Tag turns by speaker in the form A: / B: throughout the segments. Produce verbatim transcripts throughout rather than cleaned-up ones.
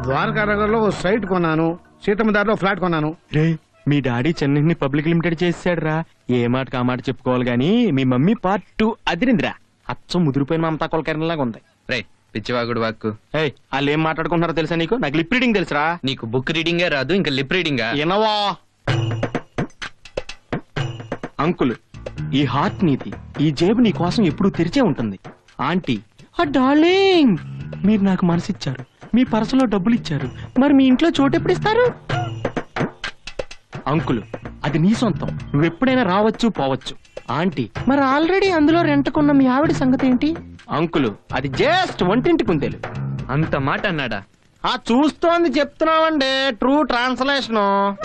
A: ద్వారకా నగర్లో ఓ సైట్ కొన్నాను, సీతమ్మ దారిలో ఫ్లాట్ కొన్నాను.
B: రే మీ డాడీ చెన్నైని పబ్లిక్ లిమిటెడ్ చేసాడు రా. ఏ మాట కా మాట చెప్పుకోవాలి గానీ మీ మమ్మీ పార్ట్ టూ అదిరిందిరా. అచ్చం ముదిరిపోయిన మమతా కొలకరణలాగా ఉంది.
C: రే పిచ్చివాగుడు వాక్కు.
B: ఏయ్ వాళ్ళు ఏం మాట్లాడుకుంటున్నారో తెలుసా నీకు? నాకు లిప్ రీడింగ్ తెలుసురా.
C: నీకు బుక్ రీడింగే రాదు, ఇంకా లిప్ రీడింగా?
B: ఎనవా అంకుల్, ఈ హార్ట్ నీది, ఈ జేబు నీ కోసం ఎప్పుడూ తెరిచే ఉంటుంది. ఆంటీ ఆ డార్లింగ్, మీరు నాకు మనసిచ్చారు, మీ పర్సులో డబ్బులు ఇచ్చారు, మరి మీ ఇంట్లో చోటు ఎప్పుడు ఇస్తారు? అంకుల్ అది నీ సొంతం, నువ్వెప్పుడైనా రావచ్చు పోవచ్చు. ఆంటీ మరి ఆల్రెడీ అందులో రెంట్కున్న మీ ఆవిడ సంగతి ఏంటి? అంకుల్ అది జస్ట్ వంటింటి కుందేలు.
C: అంత మాట అన్నాడా?
B: ఆ చూస్తోంది చెప్తున్నావండి, ట్రూ ట్రాన్స్లేషన్.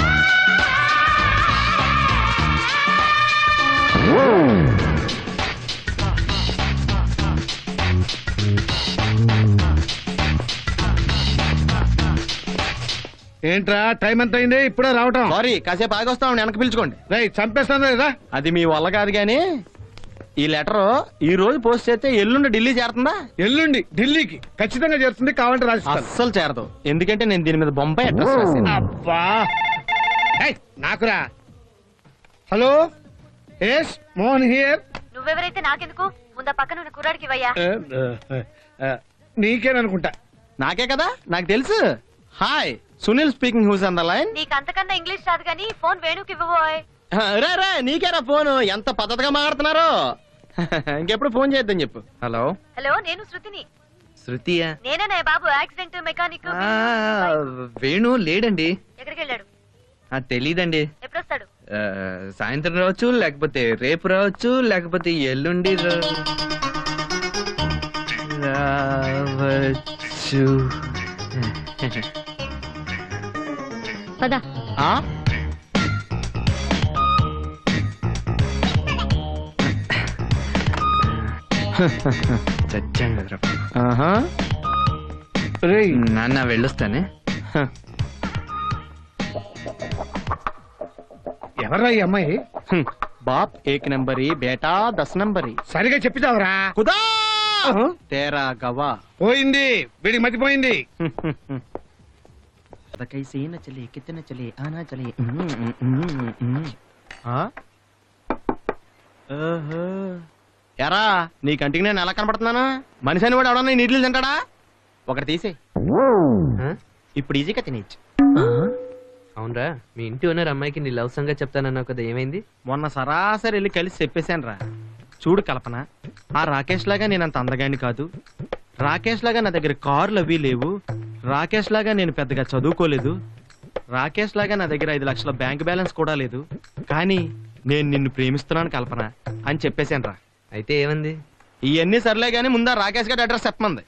A: ఏంట్రా టైం ఎంత అయింది? ఇప్పుడే రావటం?
B: సారీ కాసేపు ఆగొస్తాం, వెనక్కి పిలుచుకోండి.
A: రై చంపేస్తాను లేదా?
B: అది మీ వల్ల కాదు గాని ఈ లెటర్ ఈ రోజు పోస్ట్ చేస్తే ఎల్లుండి ఢిల్లీ చేరుతుందా?
A: ఎల్లుండి ఢిల్లీకి ఖచ్చితంగా చేరుతుంది, కావాలంటే రాసిస్తాను.
B: అస్సలు చేరదు, ఎందుకంటే నేను దీని మీద బొంబాయి అడ్రస్ రాశాను.
A: అబ్బా ఏయ్, నాకురా. Hello S Mohan here.
D: నువ్వెవరైతే నాకెందుకు, ముందా పక్కన ఉన్న కుర్రాడికి ఇవ్వయ్యా.
A: నీకేననుకుంటా.
B: నాకే కదా, నాకు తెలుసు. Hi Sunil speaking, who's on the line?
D: నీకు అంతకన్నా ఇంగ్లీష్ రాదు గానీ ఫోన్ వేణుకి ఇవ్వబోయ్.
B: రే రే నీకేరా ఫోన్, ఎంత పద్ధతిగా మాట్లాడుతున్నారు. ఇంకెప్పుడు ఫోన్ చేద్దాం చెప్పు.
C: హలో
D: హలో, నేను శృతిని.
C: శృతియా?
D: నేనే బాబు, యాక్సిడెంట్ మెకానిక్.
C: ఆ, వేణు లేడండి.
D: ఎక్కడికి వెళ్ళాడు?
C: ఆ, తెలీదండి.
D: ఎప్పుడొస్తాడు?
C: ఆ, సాయంత్రం రావచ్చు, లేకపోతే రేపు రావచ్చు, లేకపోతే ఎల్లుండి రా- రావచ్చు.
D: పద.
B: ఆ
C: చచ్చాం కదరా.
B: ఆహా.
A: రేయ్
C: నాన్న వెళ్ళొస్తానే.
A: ఎవర్రా ఈ అమ్మాయి?
B: హ్మ్. బాప్ ఏక్ నంబరి, బేటా దస్ నంబరి.
A: సరిగా చెప్పిదావరా?
B: కుదా తేరా గవా.
A: పోయింది, వీడికి మతిపోయింది.
B: कैसे न चले कितने चले आना चले. ఎరా నీ కంటికి నేను ఎలా కనపడుతున్నాను? మనిషి అని వాడు ఎవడన్నా నీళ్ళు తింటాడా? ఒకటి తీసే, ఇప్పుడు ఈజీగా తినేచ్చు.
C: అవునరా, మీ ఇంటి ఓనర్ అమ్మాయికి నీ లవ్ సంగతి చెప్తానన్నావు కదా, ఏమైంది?
B: మొన్న సరాసరి వెళ్ళి కలిసి చెప్పేశాను రా. చూడు కల్పన, ఆ రాకేష్ లాగా నేను అంత అందగాడిని కాదు, రాకేష్ లాగా నా దగ్గర కార్లు అవి లేవు, రాకేష్ లాగా నేను పెద్దగా చదువుకోలేదు, రాకేష్ లాగా నా దగ్గర ఐదు లక్షల బ్యాంక్ బ్యాలెన్స్ కూడా లేదు, కానీ నేను నిన్ను ప్రేమిస్తున్నాను కల్పన అని చెప్పేశాను రా.
C: అయితే ఏమంది?
B: ఇవన్నీ సర్లే గానీ ముందా రాకేష్ గారి అడ్రస్ చెప్పమంది.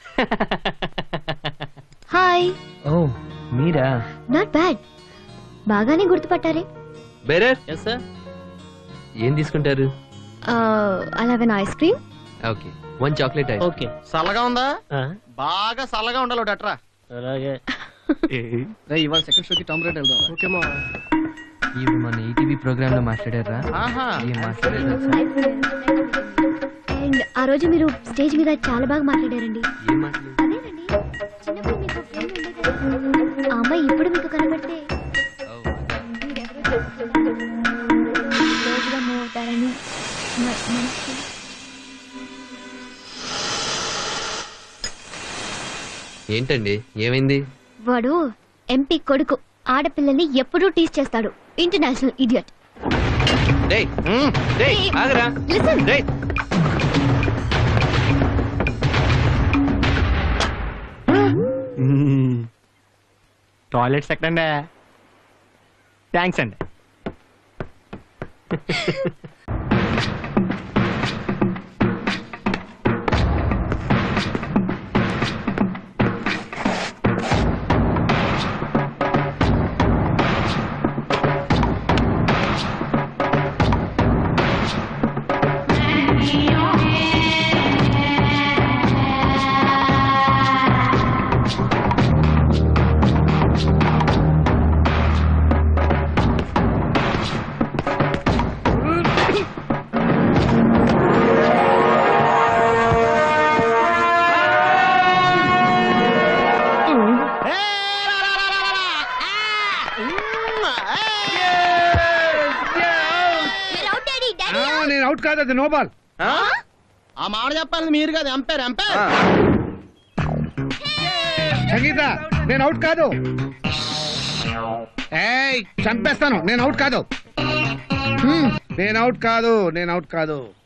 D: హాయ్.
C: ఓ మీరా?
D: నాట్ బ్యాడ్, బాగానే గుర్తుపట్టారే.
C: బేరే
B: ఎస్ సార్.
C: ఏం తీసుకుంటారు?
D: అలాగే ice cream.
C: Okay, one chocolate ice.
B: Okay. చల్లగా ఉందా? బాగా చల్లగా ఉండాలి ఒకటి అట్రా.
E: అలాగే.
A: ఇవాళ సెకండ్ షోకి టామ్ రేట్ వెళ్దాం.
B: ఓకే మా.
C: ఇవి మన ఈటీవీ ప్రోగ్రామ్ లో మాట్లాడారా?
B: ఆహా.
C: ఏం మాట్లాడారు?
D: అండ్ ఆ రోజు మీరు స్టేజ్ మీద చాలా బాగా మాట్లాడారండి.
C: ఏం మాట్లాడారు?
D: అదేనండి, చిన్నప్పుడు మీకు ఫ్రెండ్ ఉండేది కదా, ఆ అమ్మాయి ఇప్పుడు మీకు కనబడితే
C: ఓ, అదా.
D: మీరెవరో క్లోజ్గా మూవ్ అవుతారని మ- మనసుకి.
C: ఏంటండి ఏమైంది?
D: వాడు ఎంపీ కొడుకు, ఆడపిల్లల్ని ఎప్పుడూ టీస్ చేస్తాడు, ఇంటర్నేషనల్ ఇడియట్.
C: డేయ్ డేయ్ ఆగరా.
D: లిసన్.
C: డేయ్
B: టాయిలెట్స్ ఎక్కడండి? థ్యాంక్స్ అండి.
A: నేను అవుట్ కాదు, అది నో బాల్.
E: ఆ మాట చెప్పాలి మీరు కదా ఎంపైర్ ఎంపైర్.
A: సంగీత నేను అవుట్ కాదు. ఏయ్ చంపేస్తాను, నేను అవుట్ కాదు. హ్మ్, నేను అవుట్ కాదు, నేను అవుట్ కాదు.